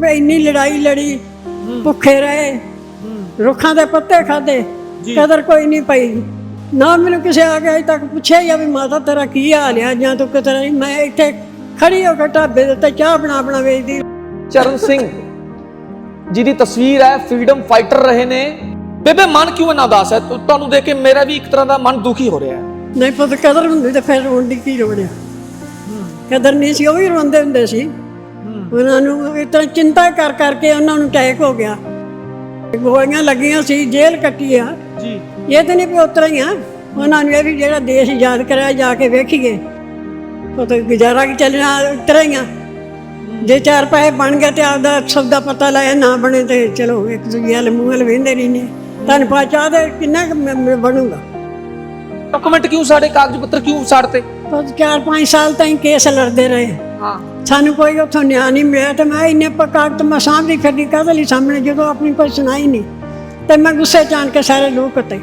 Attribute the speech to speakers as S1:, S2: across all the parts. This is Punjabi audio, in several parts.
S1: भी इन्नी लड़ाई लड़ी, भुखे रहे, रुखों के पत्ते खाधे, कदर कोई नहीं पई ना। मैनू किसी आके अज तक पूछे या भी माता तेरा की हाल है जां तू किस तरह। मैं इत्थे खड़ी होकर ढाबे दे उत्ते चाह बना बना वेचदी।
S2: चरण सिंह जी की तस्वीर है, फ्रीडम फाइटर रहे ने। बेबे मन क्यों इन्ना उदास है? तुहानू देख के मेरा भी एक तरह का मन दुखी हो रहा है।
S1: नहीं पता कदर हुंदी ते फिर रोण दी की लोड़ है? कदर नहीं सी, वो भी रोंदे हुंदे सी। उन्हां नू इस तरह चिंता कर करके उन्हां नू अटैक हो गया, गोलियां लगियां सी, जेल कट्टी आ
S2: जी।
S1: ये तो नहीं भी उतरा ही आ। उन्हां नू भी जेड़ा देश आजाद कराया जाके वेखीए, वो तो गुजारा की चलना उतरा ही आ। जे चार पैसे बन गए तो आपदा सब दा पता लाया, ना बने तो चलो एक दूजे वाल मूँह वाल वेंदे रहिने। तुहानू पता चाह दे किन्ना बनूगा?
S2: डॉक्यूमेंट क्यों साढ़े, कागज पत्र क्यों साड़ते?
S1: 4-5 साल तक केस लड़ते रहे, सानू कोई उतो न्याय नहीं मिला। तो मैं इन्ने कागज मैं सामने खड़ी कदली सामने जो अपनी कोई सुनाई नहीं, तो मैं गुस्से च आन के सारे लोग उत्ते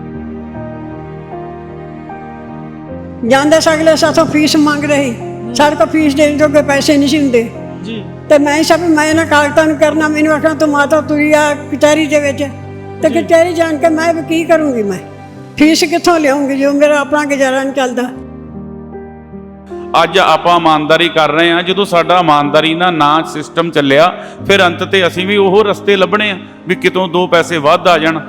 S1: जाते सगले साथों फीस मंग रहे, साढ़े को फीस देने जोगे पैसे नहीं होंगे। तो मैं सब मैं इन्होंने कागजां करना, मैंने आखना तू माता तुरी आ कचहरी के विच, तो कचहरी जान के मैं की करूँगी? मैं फीस कितों लियाऊंगी जो मेरा अपना गुजारा नहीं चलता।
S3: ਅੱਜ ਆਪਾਂ ਇਮਾਨਦਾਰੀ ਕਰ ਰਹੇ ਹਾਂ। ਜਦੋਂ ਸਾਡਾ ਇਮਾਨਦਾਰੀ ਨਾ ਸਿਸਟਮ ਚੱਲਿਆ, ਫਿਰ ਅੰਤ ਤੇ ਅਸੀਂ ਵੀ ਉਹ ਰਸਤੇ ਲੱਭਣੇ ਆ ਵੀ ਕਿਤੋਂ 2 ਪੈਸੇ ਵੱਧ ਆ ਜਾਣ।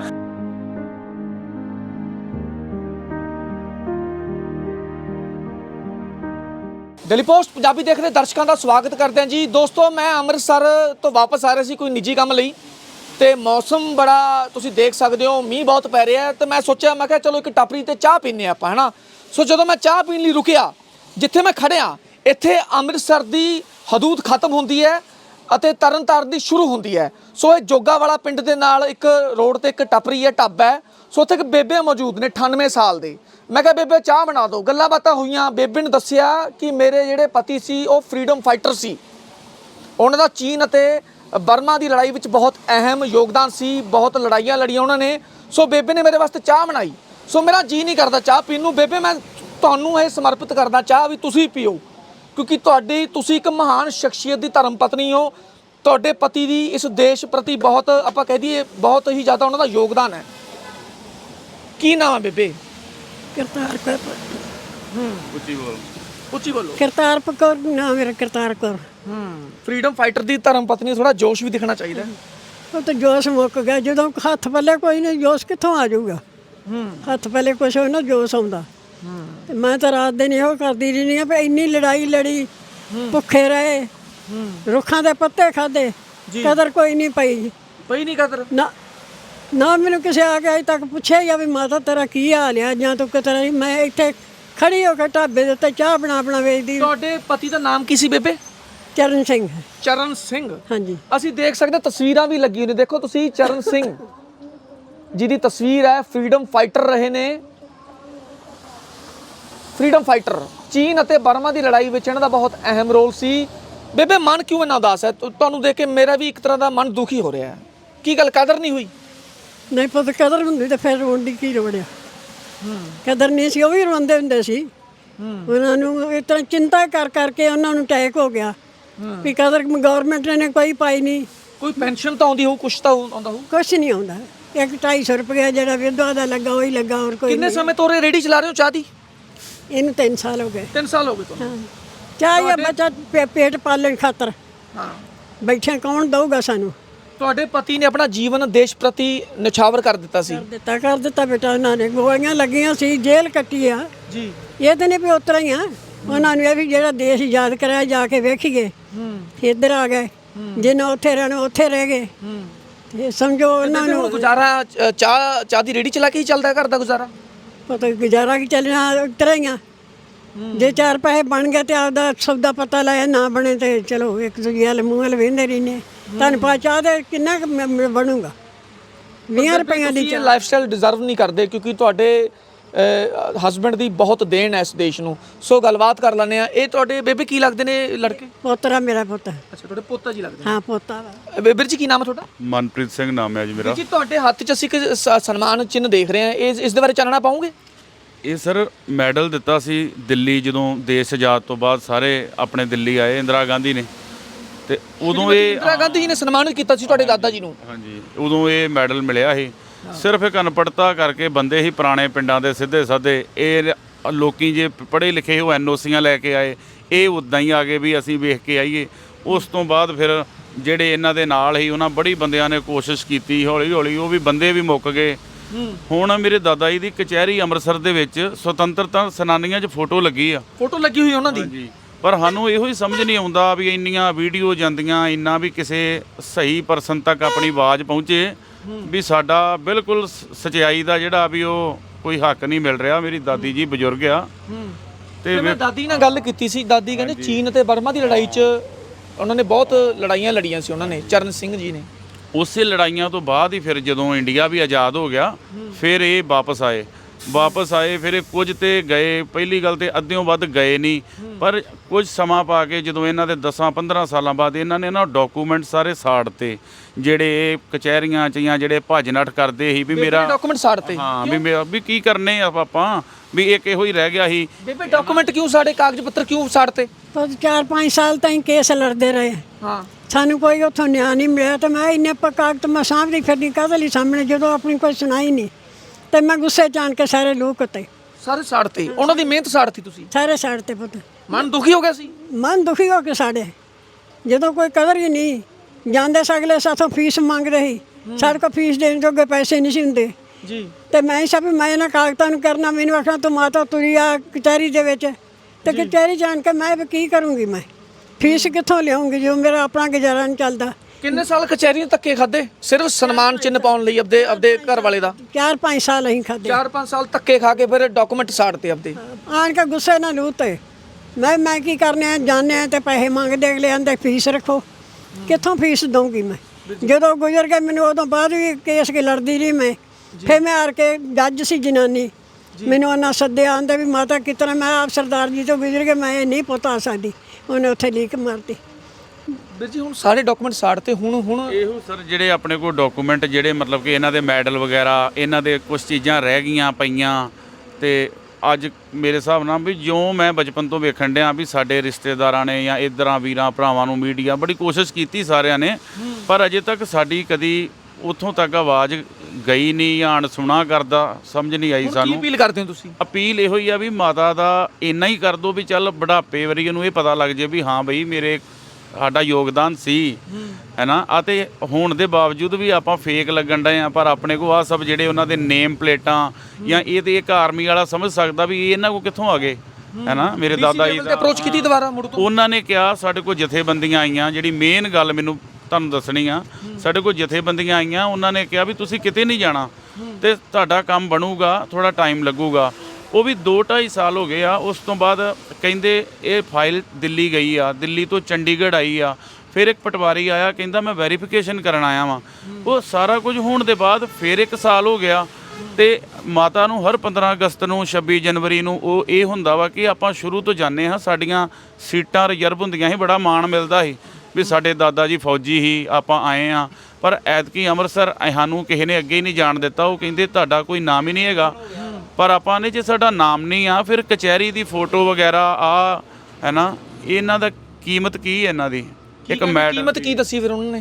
S2: डेली पोस्ट पंजाबी देख रहे दर्शकों का स्वागत करते हैं जी। दोस्तों मैं अमृतसर तो वापस आ रहे सी कोई निजी काम लई, ते मौसम बड़ा तुसीं देख सकते हो, मींह बहुत पै रहा है। तो मैं सोचा मैं कहा चलो एक टापरी ते चाह पीने आपां, है ना। सो जो मैं चाह पीने लई रुकिया, जिथे मैं खड़िया इत्थे अमृतसर की हदूद खत्म होंदी है ਅਤੇ ਤਰਨਤਾਰਨ ਦੀ ਸ਼ੁਰੂ ਹੁੰਦੀ ਹੈ। ਸੋ ਇਹ ਜੋਗਾ ਵਾਲਾ ਪਿੰਡ ਦੇ ਨਾਲ ਇੱਕ ਰੋਡ ਤੇ ਇੱਕ ਟੱਪਰੀ ਹੈ, ਢਾਬਾ ਹੈ। ਸੋ ਉੱਥੇ ਇੱਕ ਬੇਬੇ ਮੌਜੂਦ ਨੇ 98 ਸਾਲ ਦੇ। ਮੈਂ ਕਿਹਾ ਬੇਬੇ ਚਾਹ ਬਣਾ ਦਿਓ। ਗੱਲਾਂ ਬਾਤਾਂ ਹੋਈਆਂ। ਬੇਬੇ ਨੇ ਦੱਸਿਆ ਕਿ ਮੇਰੇ ਜਿਹੜੇ ਪਤੀ ਸੀ ਉਹ ਫਰੀडम ਫਾਈਟਰ ਸੀ, ਉਹਨਾਂ ਦਾ ਚੀਨ ਅਤੇ ਬਰਮਾ ਦੀ ਲੜਾਈ ਵਿੱਚ ਬਹੁਤ ਅਹਿਮ ਯੋਗਦਾਨ ਸੀ, ਬਹੁਤ ਲੜਾਈਆਂ ਲੜੀਆਂ ਉਹਨਾਂ ਨੇ। ਸੋ ਬੇਬੇ ਨੇ ਮੇਰੇ ਵਾਸਤੇ ਚਾਹ ਬਣਾਈ। ਸੋ ਮੇਰਾ ਜੀ ਨਹੀਂ ਕਰਦਾ ਚਾਹ ਪੀਣ ਨੂੰ। ਬੇਬੇ ਮੈਂ ਤੁਹਾਨੂੰ ਇਹ ਸਮਰਪਿਤ ਕਰਦਾ ਚਾਹ ਵੀ ਤੁਸੀਂ ਪੀਓ, क्योंकि तुसी एक महान शख्सियत की धर्म पत्नी हो। तुहाडे पति की इस देश प्रति बहुत आपां कह दईए बहुत ही ज़्यादा उन्हां दा योगदान है। की नाम है बेबे?
S1: करतार कौर।
S2: उच्ची बोलो।
S1: करतार कौर नाम मेरा, करतार कौर।
S2: फ्रीडम फाइटर की धर्म पत्नी, थोड़ा जोश भी दिखना चाहिए।
S1: वो तो जोश मुक गया जो हथ पल्ले कोई नहीं, जोश कितों आ जाऊगा? हथ पल्ले कुछ हो ना जोश आउंदा। मैं तो रात दिन यो करती रही भी इन्नी लड़ाई लड़ी, भुखे रहे, रुखों के पत्ते खाधे, कदर कोई नहीं पई
S2: नहीं कदर
S1: ना। ना मैनू किसी आके अज तक पूछे या भी माता तेरा की हाल है जां तू किस तरह। मैं इत्थे खड़ी होकर ढाबे दे उत्ते चाह बना बना वेचदी।
S2: तुहाडे पति का नाम की सी बेबे?
S1: चरण सिंह।
S2: चरण सिंह।
S1: हाँ जी।
S2: ਅਸੀਂ ਦੇਖ ਸਕਦੇ ਤਸਵੀਰਾਂ ਵੀ ਲੱਗੀ ਨੇ, ਦੇਖੋ ਤੁਸੀਂ ਚਰਨ ਸਿੰਘ ਜੀ ਦੀ ਤਸਵੀਰ ਹੈ। ਫਰੀडम फाइटर ਰਹੇ ਨੇ, फ्रीडम फाइटर। चीन ਅਤੇ ਬਰਮਾ ਦੀ ਲੜਾਈ ਵਿੱਚ ਇਹਨਾਂ ਦਾ ਬਹੁਤ ਅਹਿਮ ਰੋਲ ਸੀ। ਬੇਬੇ ਮਨ ਕਿਉਂ ਇੰਨਾ ਉਦਾਸ ਹੈ? ਤੁਹਾਨੂੰ ਦੇਖ ਕੇ ਮੇਰਾ ਵੀ ਇੱਕ ਤਰ੍ਹਾਂ ਦਾ ਮਨ ਦੁਖੀ ਹੋ ਰਿਹਾ ਹੈ। ਕੀ ਗੱਲ ਕਦਰ ਨਹੀਂ ਹੋਈ?
S1: नहीं पता कदर हुंदी तो फिर रोण दी की लोड़ है? कदर नहीं सी, वो भी रोंदे हुंदे सी। उन्हां नू इस तरह चिंता कर करके उन्हां नू अटैक हो गया भी कदर गौरमेंट ने कोई पाई नहीं।
S2: कोई पेंशन तो आउंदी हो, कुछ तो आउंदा हो?
S1: कुछ नहीं आउंदा। एक 250 रुपया जिहड़ा विधवा दा लगा वही लगा, और कोई
S2: कितने समय तो रेडी चला रहे हो चाह दी?
S1: इन 3 साल हो गए।
S2: 3 साल हो गए तो?
S1: चाह या बच्चा पेट पालन खातर बैठे कौन दऊगा सानू?
S2: ਤੁਹਾਡੇ ਪਤੀ ਨੇ ਆਪਣਾ ਜੀਵਨ ਦੇਸ਼ ਪ੍ਰਤੀ ਨਿਛਾਵਰ ਕਰ ਦਿੱਤਾ ਸੀ।
S1: कर दिता बेटा। उन्होंने गोलियां लगियां सी, जेल कट्टी आ जी। ये तो नहीं भी उतरा ही आ। उन्होंने भी जेड़ा देश आजाद कराया जाके वेखीए, इधर आ गए। जिन्हें उत्थे रहना उत्थे रह गए। समझो उन्होंने
S2: गुजारा चाह दी रेडी चला के ही चलता है घर का गुजारा?
S1: पता गुजारा की चलना उतरा ही आ। जे 4 पैसे बन गए तो आपदा सब दा पता लाया, ना बने तो चलो एक दूजे वाल मूँह वाल वेंदे रहिने। तुहानू पता चाह दे किन्ना बनूगा? 20 रुपये की
S2: लाइफस्टाइल डिजर्व नहीं करते, क्योंकि ਤੁਹਾਡੇ ਹਸਬੈਂਡ ਦੀ ਬਹੁਤ ਦੇਣ ਹੈ ਇਸ ਦੇਸ਼ ਨੂੰ। ਸੋ ਗੱਲਬਾਤ ਕਰ ਲੈਂਦੇ ਆ। ਇਹ ਤੁਹਾਡੇ ਬੇਬੇ ਕੀ ਲੱਗਦੇ ਨੇ ਲੜਕੇ?
S1: पोतरा मेरा पुत।
S2: ਅੱਛਾ, ਤੁਹਾਡੇ ਪੋਤਾ ਜੀ ਲੱਗਦੇ
S1: हाँ पोता वा।
S2: ਨੇ। ਬੇਬੇ ਜੀ ਕੀ ਨਾਮ ਹੈ ਤੁਹਾਡਾ?
S3: ਮਨਪ੍ਰੀਤ ਸਿੰਘ ਨਾਮ ਹੈ ਜੀ ਮੇਰਾ।
S2: ਜੀ ਤੁਹਾਡੇ ਹੱਥ 'ਚ ਅਸੀਂ ਇੱਕ ਸਨਮਾਨ ਚਿੰਨ੍ਹ ਦੇਖ ਰਹੇ ਹਾਂ, ਇਸ ਦੇ ਬਾਰੇ ਚਾਨਣਾ ਪਾਉਂਗੇ?
S3: ਇਹ ਸਰ ਮੈਡਲ ਦਿੱਤਾ ਸੀ ਦਿੱਲੀ, ਜਦੋਂ ਦੇਸ਼ ਆਜ਼ਾਦ ਤੋਂ ਬਾਅਦ ਸਾਰੇ ਆਪਣੇ ਦਿੱਲੀ ਆਏ ਇੰਦਰਾ ਗਾਂਧੀ ਨੇ, ਤੇ ਉਦੋਂ ਇਹ
S2: ਇੰਦਰਾ ਗਾਂਧੀ ਜੀ ਨੇ ਸਨਮਾਨਿਤ ਕੀਤਾ ਸੀ ਤੁਹਾਡੇ ਦਾਦਾ ਜੀ ਨੂੰ।
S3: ਹਾਂਜੀ, ਉਦੋਂ ਇਹ ਮੈਡਲ ਮਿਲਿਆ ਸੀ। ਸਿਰਫ ਇੱਕ ਅਨਪੜ੍ਹਤਾ ਕਰਕੇ ਬੰਦੇ ਹੀ ਪੁਰਾਣੇ ਪਿੰਡਾਂ ਦੇ ਸਿੱਧੇ ਸਾਧੇ, ਇਹ ਲੋਕੀ ਜੇ ਪੜ੍ਹੇ ਲਿਖੇ ਉਹ ਐਨਓਸੀਆਂ ਲੈ ਕੇ ਆਏ, ਇਹ ਉੱਦਾਂ ਹੀ ਆ ਗਏ ਵੀ ਅਸੀਂ ਵੇਖ ਕੇ ਆਈਏ। ਉਸ ਤੋਂ ਬਾਅਦ ਫਿਰ ਜਿਹੜੇ ਇਹਨਾਂ ਦੇ ਨਾਲ ਹੀ ਉਹਨਾਂ ਬੜੀ ਬੰਦਿਆਂ ਨੇ ਕੋਸ਼ਿਸ਼ ਕੀਤੀ, ਹੌਲੀ ਹੌਲੀ ਉਹ ਵੀ ਬੰਦੇ ਵੀ ਮੁੱਕ ਗਏ। ਹੁਣ ਮੇਰੇ ਦਾਦਾ ਜੀ ਦੀ ਕਚਹਿਰੀ ਅੰਮ੍ਰਿਤਸਰ ਦੇ ਵਿੱਚ ਸੁਤੰਤਰਤਾ ਸੈਨਾਨੀਆਂ 'ਚ ਫੋਟੋ ਲੱਗੀ ਆ,
S2: ਫੋਟੋ ਲੱਗੀ ਹੋਈ ਉਹਨਾਂ ਦੀ।
S3: ਹਾਂਜੀ, ਪਰ ਸਾਨੂੰ ਇਹੋ ਹੀ ਸਮਝ ਨਹੀਂ ਆਉਂਦਾ ਵੀ ਇੰਨੀਆਂ ਵੀਡੀਓ ਜਾਂਦੀਆਂ, ਇੰਨਾ ਵੀ ਕਿਸੇ ਸਹੀ ਪਰਸਨ ਤੱਕ ਆਪਣੀ ਆਵਾਜ਼ ਪਹੁੰਚੇ ਵੀ ਸਾਡਾ ਬਿਲਕੁਲ ਸਚਾਈ ਦਾ ਜਿਹੜਾ ਵੀ ਉਹ ਕੋਈ ਹੱਕ ਨਹੀਂ ਮਿਲ ਰਿਹਾ। ਮੇਰੀ ਦਾਦੀ ਜੀ ਬਜ਼ੁਰਗ ਆ
S2: ਤੇ ਮੈਂ ਦਾਦੀ ਨਾਲ ਗੱਲ ਕੀਤੀ ਸੀ, ਦਾਦੀ ਕਹਿੰਦੇ ਚੀਨ ਅਤੇ ਬਰਮਾ ਦੀ ਲੜਾਈ 'ਚ ਉਹਨਾਂ ਨੇ ਬਹੁਤ ਲੜਾਈਆਂ ਲੜੀਆਂ ਸੀ, ਉਹਨਾਂ ਨੇ ਚਰਨ ਸਿੰਘ ਜੀ ਨੇ।
S3: ਉਸੇ ਲੜਾਈਆਂ ਤੋਂ ਬਾਅਦ ਹੀ ਫਿਰ ਜਦੋਂ ਇੰਡੀਆ ਵੀ ਆਜ਼ਾਦ ਹੋ ਗਿਆ ਫਿਰ ਇਹ ਵਾਪਸ ਆਏ। ਫਿਰ ਇਹ ਕੁਝ ਤੇ ਗਏ, ਪਹਿਲੀ ਗੱਲ ਤੇ ਅੱਧਿਓਂ ਵੱਧ ਗਏ ਨਹੀਂ, ਪਰ ਕੁਝ ਸਮਾਂ ਪਾ ਕੇ ਜਦੋਂ ਇਹਨਾਂ ਦੇ 10-15 ਸਾਲਾਂ ਬਾਅਦ ਇਹਨਾਂ ਨੇ ਨਾ ਡਾਕੂਮੈਂਟ ਸਾਰੇ ਸਾੜਤੇ, ਜਿਹੜੇ ਕਚਹਿਰੀਆਂ 'ਚ ਜਾਂ ਜਿਹੜੇ ਭੱਜ ਨੱਠ ਕਰਦੇ ਸੀ ਵੀ ਮੇਰਾ
S2: ਡਾਕੂਮੈਂਟ ਸਾੜਤੇ।
S3: ਹਾਂ, ਵੀ ਮੇਰਾ ਵੀ ਕੀ ਕਰਨੇ ਆ ਆਪਾਂ, ਵੀ ਇੱਕ ਇਹੋ ਹੀ ਰਹਿ ਗਿਆ ਸੀ।
S2: ਬੇਬੇ ਡਾਕੂਮੈਂਟ ਕਿਉਂ ਸਾੜੇ, ਕਾਗਜ਼ ਪੱਤਰ ਕਿਉਂ ਸਾੜਤੇ?
S1: 4-5 ਸਾਲ ਤਾਈਂ ਕੇਸ ਲੜਦੇ ਰਹੇ।
S2: ਹਾਂ,
S1: ਸਾਨੂੰ ਕੋਈ ਉੱਥੋਂ ਨਿਆਂ ਨਹੀਂ ਮਿਲਿਆ ਤੇ ਮੈਂ ਇੰਨੇ ਕਾਗਜ਼ ਮੈਂ ਸਾਂਭਦੀ ਫਿਰਦੀ ਕਾਹਦੇ ਲਈ ਸਾਹਮਣੇ, ਜਦੋਂ ਆਪਣੀ ਕੋਈ ਸੁਣਾਈ ਨਹੀਂ ਤੇ ਮੈਂ ਗੁੱਸੇ 'ਚ ਆਣ ਕੇ ਸਾਰੇ ਲੋਕ ਉੱਤੇ
S2: ਸਾਰੇ ਸਾੜਤੇ। ਉਹਨਾਂ ਦੀ ਮਿਹਨਤ ਸਾੜਤੀ ਤੁਸੀਂ?
S1: ਸਾਰੇ ਸਾਈਡ ਤੇ ਪੁੱਤ
S2: ਮਨ ਦੁਖੀ ਹੋ ਗਿਆ ਸੀ?
S1: ਮਨ ਦੁਖੀ ਹੋ ਕੇ ਸਾਡੇ, ਜਦੋਂ ਕੋਈ ਕਦਰ ਹੀ ਨਹੀਂ। ਜਾਂਦੇ ਸਗਲੇ ਸਾਥੋਂ ਫੀਸ ਮੰਗਦੇ ਸੀ, ਸਾਡੇ ਕੋਲ ਫੀਸ ਦੇਣ ਜੋਗੇ ਪੈਸੇ ਨਹੀਂ ਸੀ ਹੁੰਦੇ
S2: ਜੀ।
S1: ਤੇ ਮੈਂ ਸਭ ਮੈਂ ਇਹਨਾਂ ਕਾਗਜ਼ਾਂ ਨੂੰ ਕਰਨਾ, ਮੈਨੂੰ ਆਖਣਾ ਤੂੰ ਮਾਤਾ ਤੁਰੀ ਆ ਕਚਹਿਰੀ ਦੇ ਵਿੱਚ, ਤੇ ਕਚਹਿਰੀ ਜਾਣ ਕੇ ਮੈਂ ਵੀ ਕੀ ਕਰੂੰਗੀ, ਮੈਂ ਫੀਸ ਕਿੱਥੋਂ ਲਿਆਉਂਗੀ ਜੋ ਮੇਰਾ ਆਪਣਾ ਗੁਜ਼ਾਰਾ ਨਹੀਂ ਚੱਲਦਾ।
S2: ਕਿੰਨੇ ਸਾਲ ਕਚਹਿਰੀ ਦੇ ਧੱਕੇ ਖਾਦੇ ਸਿਰਫ ਸਨਮਾਨ ਚਿੰਨ੍ਹ ਪਾਉਣ ਲਈ ਆਪਦੇ ਘਰ ਵਾਲੇ ਦਾ?
S1: 4-5 ਸਾਲ ਅਸੀਂ ਖਾਦੇ।
S2: 4-5 ਸਾਲ ਧੱਕੇ ਖਾ ਕੇ ਫਿਰ ਡਾਕੂਮੈਂਟ ਸਾੜਤੇ ਆਪਦੇ।
S1: ਆਣ ਕੇ ਗੁੱਸੇ ਨਾਲ ਲੂਹ ਤੇ ਮੈਂ ਕੀ ਕਰਨੇ ਆ, ਜਾਣੇ ਆ ਤੇ ਪੈਸੇ ਮੰਗਦੇ, ਅਗਲੇ ਆਂਦੇ ਫੀਸ ਰੱਖੋ, ਕਿੱਥੋਂ ਫੀਸ ਦਊਂਗੀ ਮੈਂ? ਜਦੋਂ ਗੁਜ਼ਰ ਗਏ ਮੈਨੂੰ ਉਦੋਂ ਬਾਅਦ ਵੀ ਕੇਸ ਕੇ ਲੜਦੀ ਰਹੀ ਮੈਂ। ਫਿਰ ਮੈਂ ਆਰ ਕੇ ਜੱਜ ਸੀ ਜਨਾਨੀ, ਮੈਨੂੰ ਉਹਨਾਂ ਸੱਦਿਆ, ਆਂਦੇ ਵੀ ਮਾਤਾ ਕਿਤਨਾ, ਮੈਂ ਆਪ ਸਰਦਾਰ ਜੀ ਤੋਂ ਗੁਜ਼ਰ ਕੇ ਮੈਂ ਇਹ ਨਹੀਂ ਪੁੱਤ ਆ ਸਕਦੀ, ਉਹਨੇ ਉੱਥੇ ਲੀਕ ਮਾਰਤੀ।
S2: ਵੀਰ ਜੀ ਹੁਣ ਸਾਰੇ ਡਾਕੂਮੈਂਟ ਸਾੜਤੇ, ਹੁਣ
S3: ਇਹੋ ਸਰ ਜਿਹੜੇ ਆਪਣੇ ਕੋਲ ਡਾਕੂਮੈਂਟ ਜਿਹੜੇ ਮਤਲਬ ਕਿ ਇਹਨਾਂ ਦੇ ਮੈਡਲ ਵਗੈਰਾ, ਇਹਨਾਂ ਦੇ ਕੁਝ ਚੀਜ਼ਾਂ ਰਹਿ ਗਈਆਂ ਪਈਆਂ। ਤੇ ਅੱਜ ਮੇਰੇ ਹਿਸਾਬ ਨਾਲ ਵੀ ਜੋ ਮੈਂ ਬਚਪਨ ਤੋਂ ਵੇਖਣ ਡਿਆ ਵੀ ਸਾਡੇ ਰਿਸ਼ਤੇਦਾਰਾਂ ਨੇ ਜਾਂ ਇੱਧਰਾਂ ਵੀਰਾਂ ਭਰਾਵਾਂ ਨੂੰ ਮੀਡੀਆ ਬੜੀ ਕੋਸ਼ਿਸ਼ ਕੀਤੀ ਸਾਰਿਆਂ ਨੇ, ਪਰ ਅਜੇ ਤੱਕ ਸਾਡੀ ਕਦੀ ਉੱਥੋਂ ਤੱਕ ਆਵਾਜ਼ ਗਈ ਨਹੀਂ ਜਾਂ ਅਣਸੁਣਾ ਕਰਦਾ ਸਮਝ ਨਹੀਂ ਆਈ ਸਾਨੂੰ।
S2: ਕੀ ਅਪੀਲ ਕਰਦੇ ਹੋ ਤੁਸੀਂ?
S3: ਅਪੀਲ ਇਹੋ ਹੀ ਆ ਵੀ ਮਾਤਾ ਦਾ ਇੰਨਾ ਹੀ ਕਰ ਦਿਓ ਵੀ ਚੱਲ ਬੁਢਾਪੇ ਵਰੀ ਨੂੰ ਇਹ ਪਤਾ ਲੱਗ ਜੇ ਵੀ ਹਾਂ ਬਈ ਮੇਰੇ ਸਾਡਾ ਯੋਗਦਾਨ ਸੀ, ਹੈ ਨਾ। ਅਤੇ ਹੋਣ ਦੇ ਬਾਵਜੂਦ ਵੀ ਆਪਾਂ ਫੇਕ ਲੱਗਣ ਡਏ ਆ, ਪਰ ਆਪਣੇ ਕੋਲ ਆ ਸਭ ਜਿਹੜੇ ਉਹਨਾਂ ਦੇ ਨੇਮ ਪਲੇਟਾਂ ਜਾਂ ਇਹ ਤੇ ਇੱਕ ਆਰਮੀ ਵਾਲਾ ਸਮਝ ਸਕਦਾ ਵੀ ਇਹਨਾਂ ਕੋਲ ਕਿੱਥੋਂ ਆ ਗਏ, ਹੈ ਨਾ। ਮੇਰੇ ਦਾਦਾ ਜੀ ਦਾ
S2: ਅਪਰੋਚ ਕੀਤੀ ਦੁਬਾਰਾ ਮੁੜ ਤੋਂ?
S3: ਉਹਨਾਂ ਨੇ ਕਿਹਾ ਸਾਡੇ ਕੋਲ ਜਥੇਬੰਦੀਆਂ ਆਈਆਂ, ਜਿਹੜੀ ਮੇਨ ਗੱਲ ਮੈਨੂੰ ਤੁਹਾਨੂੰ ਦੱਸਣੀ ਆ, ਸਾਡੇ ਕੋਲ ਜਥੇਬੰਦੀਆਂ ਆਈਆਂ, ਉਹਨਾਂ ਨੇ ਕਿਹਾ ਵੀ ਤੁਸੀਂ ਕਿਤੇ ਨਹੀਂ ਜਾਣਾ ਤੇ ਤੁਹਾਡਾ ਕੰਮ ਬਣੂਗਾ, ਥੋੜਾ ਟਾਈਮ ਲੱਗੂਗਾ। ਉਹ ਵੀ 2-2.5 ਸਾਲ ਹੋ ਗਏ ਆ। ਉਸ ਤੋਂ ਬਾਅਦ ਕਹਿੰਦੇ ਇਹ ਫਾਈਲ ਦਿੱਲੀ ਗਈ ਆ, ਦਿੱਲੀ ਤੋਂ ਚੰਡੀਗੜ੍ਹ ਆਈ ਆ, ਫਿਰ ਇੱਕ ਪਟਵਾਰੀ ਆਇਆ ਕਹਿੰਦਾ ਮੈਂ ਵੈਰੀਫਿਕੇਸ਼ਨ ਕਰਨ ਆਇਆ ਵਾਂ। ਉਹ ਸਾਰਾ ਕੁਝ ਹੋਣ ਦੇ ਬਾਅਦ ਫਿਰ 1 ਸਾਲ ਹੋ ਗਿਆ ਤੇ ਮਾਤਾ ਨੂੰ ਹਰ 15 ਅਗਸਤ ਨੂੰ 26 ਜਨਵਰੀ ਨੂੰ ਉਹ ਇਹ ਹੁੰਦਾ ਵਾ ਕਿ ਆਪਾਂ ਸ਼ੁਰੂ ਤੋਂ ਜਾਂਦੇ ਹਾਂ, ਸਾਡੀਆਂ ਸੀਟਾਂ ਰਿਜ਼ਰਵ ਹੁੰਦੀਆਂ ਸੀ, ਬੜਾ ਮਾਣ ਮਿਲਦਾ ਸੀ ਵੀ ਸਾਡੇ ਦਾਦਾ ਜੀ ਫੌਜੀ ਸੀ, ਆਪਾਂ ਆਏ ਆ। ਪਰ ਐਤਕੀ ਅੰਮ੍ਰਿਤਸਰ ਸਾਨੂੰ ਕਿਸੇ ਨੇ ਅੱਗੇ ਹੀ ਨਹੀਂ ਜਾਣ ਦਿੱਤਾ। ਉਹ ਕਹਿੰਦੇ ਤੁਹਾਡਾ ਕੋਈ ਨਾਮ ਹੀ ਨਹੀਂ ਹੈਗਾ। ਪਰ ਆਪਾਂ ਨੇ ਜੇ ਸਾਡਾ ਨਾਮ ਨਹੀਂ ਆ, ਫਿਰ ਕਚਹਿਰੀ ਦੀ ਫੋਟੋ ਵਗੈਰਾ ਆ, ਹੈ ਨਾ, ਇਹਨਾਂ ਦਾ ਕੀਮਤ ਕੀ ਹੈ ਇਹਨਾਂ ਦੀ? ਇੱਕ ਮੈਡਲ
S2: ਕੀਮਤ ਕੀ ਦੱਸੀ ਫਿਰ ਉਹਨਾਂ ਨੇ?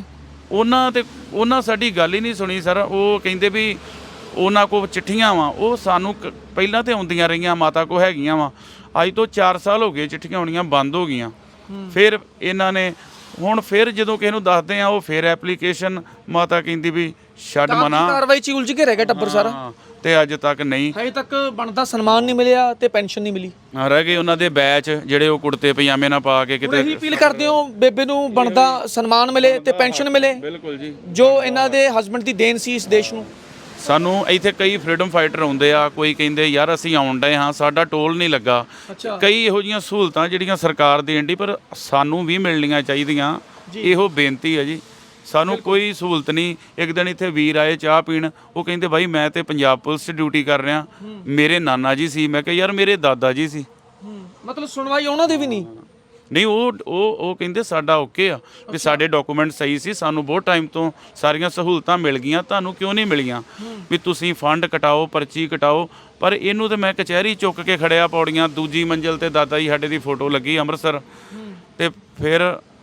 S3: ਉਹਨਾਂ ਸਾਡੀ ਗੱਲ ਹੀ ਨਹੀਂ ਸੁਣੀ ਸਰ। ਉਹ ਕਹਿੰਦੇ ਵੀ ਉਹਨਾਂ ਕੋਲ ਚਿੱਠੀਆਂ ਵਾ, ਉਹ ਸਾਨੂੰ ਪਹਿਲਾਂ ਤੇ ਆਉਂਦੀਆਂ ਰਹੀਆਂ, ਮਾਤਾ ਕੋ ਹੈਗੀਆਂ ਵਾ। ਅੱਜ ਤੋਂ 4 ਸਾਲ ਹੋ ਗਏ ਚਿੱਠੀਆਂ ਆਉਣੀਆਂ ਬੰਦ ਹੋ ਗਈਆਂ। ਫਿਰ ਇਹਨਾਂ ਨੇ ਹੁਣ ਫਿਰ ਜਦੋਂ ਕਿਸੇ ਨੂੰ ਦੱਸਦੇ ਆ, ਉਹ ਫਿਰ ਐਪਲੀਕੇਸ਼ਨ ਮਾਤਾ ਕਹਿੰਦੀ ਵੀ ਛੱਡ ਮਨਾ,
S2: ਕਾਰਵਾਈ 'ਚ ਉਲਝ ਕੇ ਰਹਿ ਗਿਆ ਟੱਬਰ ਸਾਰਾ।
S3: ਤੇ ਅੱਜ ਤੱਕ ਨਹੀਂ,
S2: ਹਜੇ ਤੱਕ ਬਣਦਾ ਸਨਮਾਨ ਨਹੀਂ ਮਿਲਿਆ ਤੇ ਪੈਨਸ਼ਨ ਨਹੀਂ ਮਿਲੀ।
S3: ਰਹਿ ਗਏ ਉਹਨਾਂ ਦੇ ਬੈਚ ਜਿਹੜੇ ਉਹ ਕੁੜਤੇ ਪਜਾਮੇ ਨਾਲ ਪਾ ਕੇ ਕਿਤੇ।
S2: ਇਹੀ ਅਪੀਲ ਕਰਦੇ ਹੋ ਬੇਬੇ ਨੂੰ ਬਣਦਾ ਸਨਮਾਨ ਮਿਲੇ ਤੇ ਪੈਨਸ਼ਨ ਮਿਲੇ?
S3: ਬਿਲਕੁਲ ਜੀ,
S2: ਜੋ ਇਹਨਾਂ ਦੇ ਹਸਬੰਡ ਦੀ ਦੇਣ ਸੀ ਇਸ ਦੇਸ਼ ਨੂੰ।
S3: ਸਾਨੂੰ ਇੱਥੇ ਕਈ ਫਰੀडम ਫਾਈਟਰ ਆਉਂਦੇ ਆ, ਕੋਈ ਕਹਿੰਦੇ ਯਾਰ ਅਸੀਂ ਆਉਣ ਡਏ ਹਾਂ, ਸਾਡਾ ਟੋਲ ਨਹੀਂ ਲੱਗਾ। ਕਈ ਇਹੋ ਜਿਹੀਆਂ ਸਹੂਲਤਾਂ ਜਿਹੜੀਆਂ ਸਰਕਾਰ ਦੇਣ ਦੀ, ਪਰ ਸਾਨੂੰ ਵੀ ਮਿਲਣੀਆਂ ਚਾਹੀਦੀਆਂ। ਇਹੋ ਬੇਨਤੀ ਹੈ ਜੀ, ਸਾਨੂੰ ਕੋਈ ਸਹੂਲਤ ਨਹੀਂ। ਇੱਕ ਦਿਨ ਇੱਥੇ ਵੀਰ ਆਏ ਚਾਹ ਪੀਣ, ਉਹ ਕਹਿੰਦੇ ਬਾਈ ਮੈਂ ਤੇ ਪੰਜਾਬ ਪੁਲਿਸ 'ਚ ਡਿਊਟੀ ਕਰ ਰਿਹਾ, ਮੇਰੇ ਨਾਨਾ ਜੀ ਸੀ। ਮੈਂ ਕਿਹਾ ਯਾਰ ਮੇਰੇ ਦਾਦਾ ਜੀ ਸੀ।
S2: ਮਤਲਬ ਸੁਣਵਾਈ ਉਹਨਾਂ ਦੀ ਵੀ ਨਹੀਂ?
S3: ਨਹੀਂ, ਉਹ ਕਹਿੰਦੇ ਸਾਡਾ ਓਕੇ ਆ, ਵੀ ਸਾਡੇ ਡਾਕੂਮੈਂਟ ਸਹੀ ਸੀ, ਸਾਨੂੰ ਬਹੁਤ ਟਾਈਮ ਤੋਂ ਸਾਰੀਆਂ ਸਹੂਲਤਾਂ ਮਿਲ ਗਈਆਂ, ਤੁਹਾਨੂੰ ਕਿਉਂ ਨਹੀਂ ਮਿਲੀਆਂ? ਵੀ ਤੁਸੀਂ ਫੰਡ ਕਟਾਓ, ਪਰਚੀ ਕਟਾਓ। ਪਰ ਇਹਨੂੰ ਤੇ ਮੈਂ ਕਚਹਿਰੀ ਚੁੱਕ ਕੇ ਖੜਿਆ ਪੌੜੀਆਂ, ਦੂਜੀ ਮੰਜ਼ਿਲ ਤੇ ਦਾਦਾ ਜੀ ਸਾਡੇ ਦੀ ਫੋਟੋ ਲੱਗੀ ਅੰਮ੍ਰਿਤਸਰ। ਤੇ ਫਿਰ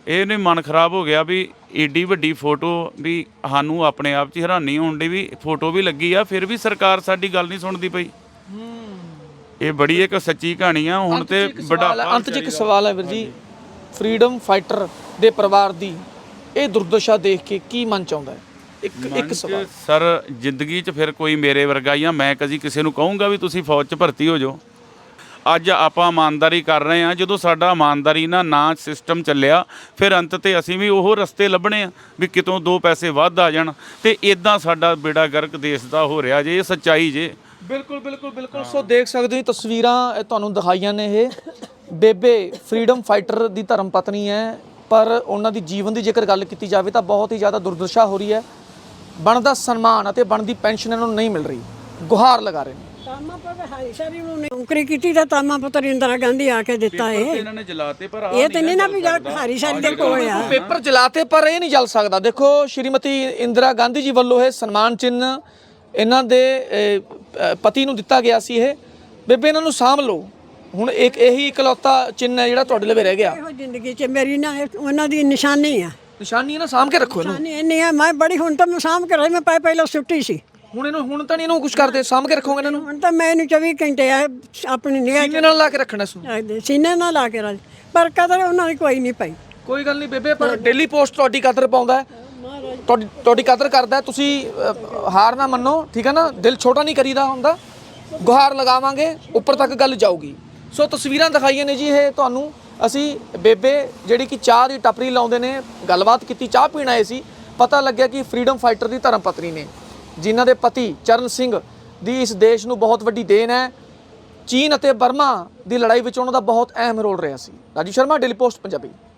S3: ਇਹ ਨਹੀਂ ਮਨ ਖਰਾਬ ਹੋ ਗਿਆ ਵੀ ਏਡੀ ਵੱਡੀ ਫੋਟੋ ਵੀ ਸਾਨੂੰ ਆਪਣੇ ਆਪ 'ਚ ਹੈਰਾਨੀ ਹੋਣ ਦੀ ਵੀ ਫੋਟੋ ਵੀ ਲੱਗੀ ਆ, ਫਿਰ ਵੀ ਸਰਕਾਰ ਸਾਡੀ ਗੱਲ ਨਹੀਂ ਸੁਣਦੀ ਪਈ। ਇਹ ਬੜੀ ਇੱਕ ਸੱਚੀ ਕਹਾਣੀ ਆ। ਹੁਣ ਤੇ
S2: ਅੰਤ 'ਚ ਇੱਕ ਸਵਾਲ ਹੈ ਵੀਰ ਜੀ, ਫਰੀडम ਫਾਈਟਰ ਦੇ ਪਰਿਵਾਰ ਦੀ ਇਹ ਦੁਰਦਸ਼ਾ ਦੇਖ ਕੇ ਕੀ ਮਨ ਚ ਆਉਂਦਾ ਹੈ? ਇੱਕ ਸਵਾਲ
S3: ਸਰ, ਜ਼ਿੰਦਗੀ 'ਚ ਫਿਰ ਕੋਈ ਮੇਰੇ ਵਰਗਾ ਹੀ ਆ। ਮੈਂ ਕਦੀ ਕਿਸੇ ਨੂੰ ਕਹੂੰਗਾ ਵੀ ਤੁਸੀਂ ਫੌਜ 'ਚ ਭਰਤੀ ਹੋ ਜਾਓ। ਅੱਜ ਆਪਾਂ ਇਮਾਨਦਾਰੀ ਕਰ ਰਹੇ ਹਾਂ, ਜਦੋਂ ਸਾਡਾ ਇਮਾਨਦਾਰੀ ਨਾ ਸਿਸਟਮ ਚੱਲਿਆ, ਫਿਰ ਅੰਤ ਤੇ ਅਸੀਂ ਵੀ ਉਹ ਰਸਤੇ ਲੱਭਣੇ ਆ ਵੀ ਕਿਤੋਂ 2 ਪੈਸੇ ਵੱਧ ਆ ਜਾਣ, ਤੇ ਇਦਾਂ ਸਾਡਾ ਬੇੜਾ ਗਰਕ ਦੇਸ਼ ਦਾ ਹੋ ਰਿਹਾ ਜੇ। ਇਹ ਸੱਚਾਈ ਜੇ।
S2: ਬਿਲਕੁਲ। ਸੋ ਦੇਖ ਸਕਦੇ ਹੋ ਤਸਵੀਰਾਂ ਇਹ ਤੁਹਾਨੂੰ ਦਿਖਾਈਆਂ ਨੇ। ਇਹ ਬੇਬੇ ਫਰੀडम ਫਾਈਟਰ ਦੀ ਧਰਮ ਪਤਨੀ ਹੈ, ਪਰ ਉਹਨਾਂ ਦੀ ਜੀਵਨ ਦੀ ਜੇਕਰ ਗੱਲ ਕੀਤੀ ਜਾਵੇ ਤਾਂ ਬਹੁਤ ਹੀ ਜ਼ਿਆਦਾ ਦੁਰਦਸ਼ਾ ਹੋ ਰਹੀ ਹੈ। ਬਣਦਾ ਸਨਮਾਨ ਅਤੇ ਬਣਦੀ ਪੈਨਸ਼ਨ ਇਹਨਾਂ ਨੂੰ ਨਹੀਂ ਮਿਲ ਰਹੀ। ਗੁਹਾਰ ਲਗਾ ਰਹੇ ਨੇ।
S1: ਤਾਮਾ ਪੁੱਤਰ ਹਾਈਸ਼ਰੀ ਨੂੰ ਨੌਕਰੀ ਕੀਤੀ ਤਾਂ ਤਾਮਾ ਪੁੱਤਰ ਇੰਦਰਾ ਗਾਂਧੀ ਆ ਕੇ ਦਿੱਤਾ
S3: ਇਹਨਾਂ ਨੇ ਜਲਾਤੇ, ਪਰ
S1: ਇਹ ਤੇ ਨਹੀਂ ਨਾ ਵੀ ਹਾਰੀਸ਼ਰੀ ਦੇ ਕੋਲ ਆ।
S2: ਪੇਪਰ ਜਲਾਤੇ ਪਰ ਇਹ ਨਹੀਂ ਜਲ ਸਕਦਾ। ਦੇਖੋ ਸ਼੍ਰੀਮਤੀ ਇੰਦਰਾ ਗਾਂਧੀ ਜੀ ਵੱਲੋਂ ਇਹ ਸਨਮਾਨ ਚਿੰਨ੍ਹ ਇਹਨਾਂ ਦੇ ਪਤੀ ਨੂੰ ਦਿੱਤਾ ਗਿਆ ਸੀ। ਇਹ ਬੇਬੇ ਇਹਨਾਂ ਨੂੰ ਸਾਂਭ ਲਓ। ਹੁਣ ਇੱਕ ਇਹੀ ਇਕਲੌਤਾ ਚਿੰਨ੍ਹ ਹੈ ਜਿਹੜਾ ਤੁਹਾਡੇ ਲਈ ਰਹਿ ਗਿਆ।
S1: ਇਹੋ ਜ਼ਿੰਦਗੀ 'ਚ ਮੇਰੀ ਨਾ ਉਹਨਾਂ ਦੀ ਨਿਸ਼ਾਨੀ ਆ।
S2: ਨਿਸ਼ਾਨੀ ਹੈ ਨਾ, ਸਾਂਭ ਕੇ ਰੱਖੋ ਇਹਨੂੰ।
S1: ਨਿਸ਼ਾਨੀ ਇੰਨੀ ਆ, ਮੈਂ ਬੜੀ ਹੁਣ ਤਾਂ ਮੈਂ ਸਾਂਭ ਕੇ ਰਹੀ। ਮੈਂ ਪਹਿਲਾਂ ਸੁੱਟੀ ਸੀ।
S2: ਹੁਣ ਤਾਂ ਨਹੀਂ ਇਹਨੂੰ ਕੁਝ ਕਰਦੇ, ਸਾਂਭ ਕੇ ਰੱਖੋਗੇ ਇਹਨਾਂ ਨੂੰ।
S1: ਹੁਣ ਤਾਂ ਮੈਂ ਇਹਨੂੰ 24 ਘੰਟੇ ਆ ਆਪਣੀ ਨਿਗਾਹ
S2: ਸੀਨੇ ਨਾਲ ਲਾ ਕੇ ਰੱਖਣਾ ਇਸ ਨੂੰ।
S1: ਸੀਨੇ ਨਾਲ ਲਾ ਕੇ ਰੱਖ, ਪਰ ਕਦਰ ਉਹਨਾਂ ਦੀ ਕੋਈ ਨਹੀਂ ਪਈ।
S2: ਕੋਈ ਗੱਲ ਨਹੀਂ ਬੇਬੇ, ਪਰ ਡੇਲੀ ਪੋਸਟ ਤੁਹਾਡੀ ਕਦਰ ਪਾਉਂਦਾ ਹੈ, ਤੁਹਾਡੀ ਕਦਰ ਕਰਦਾ ਹੈ। ਤੁਸੀਂ ਹਾਰ ਨਾ ਮੰਨੋ, ਠੀਕ ਹੈ ਨਾ। ਦਿਲ ਛੋਟਾ ਨਹੀਂ ਕਰੀਦਾ ਹੁੰਦਾ। ਗੁਹਾਰ ਲਗਾਵਾਂਗੇ, ਉੱਪਰ ਤੱਕ ਗੱਲ ਜਾਊਗੀ। ਸੋ ਤਸਵੀਰਾਂ ਦਿਖਾਈਆਂ ਨੇ ਜੀ ਇਹ ਤੁਹਾਨੂੰ। ਅਸੀਂ ਬੇਬੇ ਜਿਹੜੀ ਕਿ ਚਾਹ ਦੀ ਟਪਰੀ ਲਾਉਂਦੇ ਨੇ, ਗੱਲਬਾਤ ਕੀਤੀ, ਚਾਹ ਪੀਣ ਆਏ ਸੀ। ਪਤਾ ਲੱਗਿਆ ਕਿ ਫਰੀडम ਫਾਈਟਰ ਦੀ ਧਰਮ ਪਤਨੀ ਨੇ, ਜਿਨ੍ਹਾਂ ਦੇ ਪਤੀ ਚਰਨ ਸਿੰਘ ਦੀ ਇਸ ਦੇਸ਼ ਨੂੰ ਬਹੁਤ ਵੱਡੀ ਦੇਣ ਹੈ। ਚੀਨ ਅਤੇ ਬਰਮਾ ਦੀ ਲੜਾਈ ਵਿੱਚ ਉਹਨਾਂ ਦਾ ਬਹੁਤ ਅਹਿਮ ਰੋਲ ਰਿਹਾ ਸੀ। Raju Sharma, daily post Punjabi.